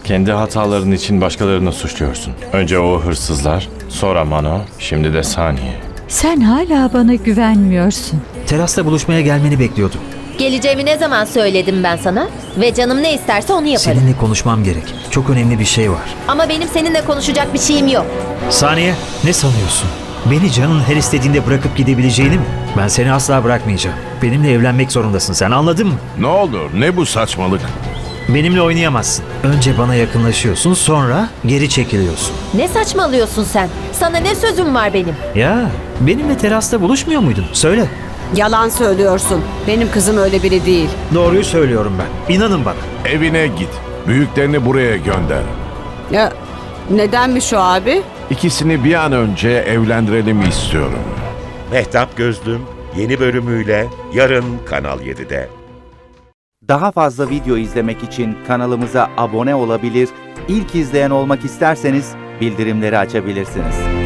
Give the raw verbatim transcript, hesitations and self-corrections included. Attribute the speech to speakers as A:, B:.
A: Kendi hataların için başkalarını suçluyorsun. Önce o hırsızlar, sonra Mano, şimdi de Saniye.
B: Sen hala bana güvenmiyorsun.
C: Terasta buluşmaya gelmeni bekliyordum.
D: Geleceğimi ne zaman söyledim ben sana? Ve canım ne isterse onu yaparım.
C: Seninle konuşmam gerek. Çok önemli bir şey var.
D: Ama benim seninle konuşacak bir şeyim yok.
C: Saniye, ne sanıyorsun? Beni canın her istediğinde bırakıp gidebileceğini mi? Ben seni asla bırakmayacağım. Benimle evlenmek zorundasın sen, anladın mı?
E: Ne olur, ne bu saçmalık?
C: Benimle oynayamazsın. Önce bana yakınlaşıyorsun, sonra geri çekiliyorsun.
D: Ne saçmalıyorsun sen? Sana ne sözüm var benim?
C: Ya, benimle terasta buluşmuyor muydun? Söyle.
F: Yalan söylüyorsun. Benim kızım öyle biri değil.
C: Doğruyu söylüyorum ben. İnanın bana.
E: Evine git. Büyüklerini buraya gönder.
F: Ya nedenmiş o abi?
E: İkisini bir an önce evlendirelim istiyorum.
G: Mehtap Gözlüm yeni bölümüyle yarın Kanal yedide.
H: Daha fazla video izlemek için kanalımıza abone olabilir, ilk izleyen olmak isterseniz bildirimleri açabilirsiniz.